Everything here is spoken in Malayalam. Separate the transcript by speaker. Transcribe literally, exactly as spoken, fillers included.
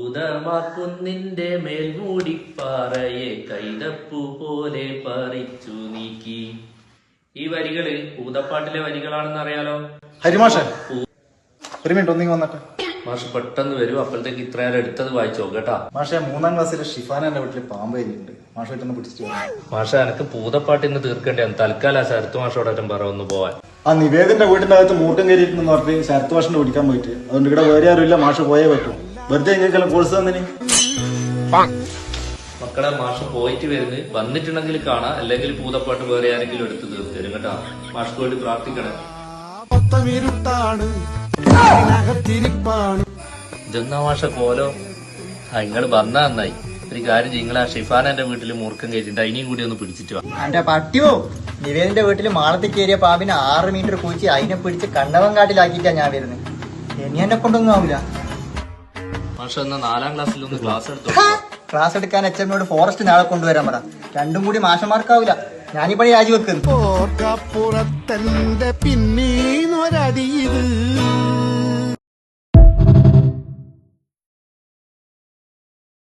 Speaker 1: ഭൂതമാക്കുന്നിന്റെ മേൽമൂടിപ്പാറയെ കൈതപ്പു പോലെ പറിച്ചു നീക്കി. ഈ വരികള് ഭൂതപ്പാട്ടിലെ വരികളാണെന്ന് അറിയാലോ.
Speaker 2: ഹരിമാഷ ഒരു മിനിറ്റ് ഒന്നിങ്ങി വന്നട്ടെ.
Speaker 1: മാഷ് പെട്ടെന്ന് വരും. അപ്പോഴത്തേക്ക് ഇത്രയേരം എടുത്തത് വായിച്ചോ കേട്ടാ.
Speaker 2: മാഷെ മൂന്നാം ക്ലാസ്സിലെ ഷിഫാനന്റെ വീട്ടില് പാമ്പ് കഴിഞ്ഞിട്ടുണ്ട്. മാഷ വീട്ടിൽ പിടിച്ചിട്ട്
Speaker 1: മാഷ എനിക്ക് ഭൂതപ്പാട്ടിന്ന് തീർക്കേണ്ടതാണ്. തൽക്കാലം ശരത്ത് മാഷോടൊറ്റം പറ ഒന്ന് പോവാൻ.
Speaker 2: ആ നിവേദിന്റെ വീടിന്റെ അകത്ത് മൂട്ടം കയറിയിട്ടുണ്ടെന്ന് പറഞ്ഞിട്ട് ശരത്ത് മാഷിനെ പിടിക്കാൻ പോയിട്ട് അതുകൊണ്ട് ഇവിടെ വേറെ ആരുമില്ല. മാഷ പോയേ പറ്റും. വെറുതെ എങ്ങനെയെല്ലാം കോഴ്സ് തന്നിന്.
Speaker 1: മക്കളെ മാഷ് പോയിട്ട് വരുന്നത് വന്നിട്ടുണ്ടെങ്കിൽ കാണാം, അല്ലെങ്കിൽ ഭൂതപ്പാട്ട് വേറെ ആരെങ്കിലും എടുത്ത് തീർത്ത് തരും കേട്ടാ. മാഷ്ക്ക് വേണ്ടി പ്രാർത്ഥിക്കണം. ഇതെന്നാ മാഷ കോലോ. ആ ഇങ്ങള് വന്നാ നന്നായി. ഒരു കാര്യം നിങ്ങൾ ആ ഷിഫാനന്റെ വീട്ടിൽ മൂർക്കം കയറ്റിട്ട് അതിനെയും കൂടി ഒന്ന് പിടിച്ചിട്ട് വാ.
Speaker 3: എന്റെ പട്ടിയോ നിവേദിന്റെ വീട്ടില് മാളത്തിൽ കയറിയ പാമ്പിനെ ആറ് മീറ്റർ കുഴിച്ച് അതിനെ പിടിച്ച് കണ്ണവൻ കാട്ടിലാക്കിയിട്ടാ ഞാൻ വരുന്നത്. ഇനി എന്നെ കൊണ്ടൊന്നും ആവില്ല.
Speaker 1: മാഷ എന്നാ നാലാം ക്ലാസ്സിൽ ഒന്ന് ക്ലാസ് എടുത്തു.
Speaker 3: ക്ലാസ് എടുക്കാൻ എച്ച് എമ്മിനോട് ഫോറസ്റ്റ് നാളെ കൊണ്ടുവരാൻ പറ. രണ്ടും കൂടി മാഷന്മാർക്കാവില്ല. ഞാനിപ്പഴേ രാജിവെക്കുന്നു.
Speaker 4: പിന്നീന്നൊരടിയത്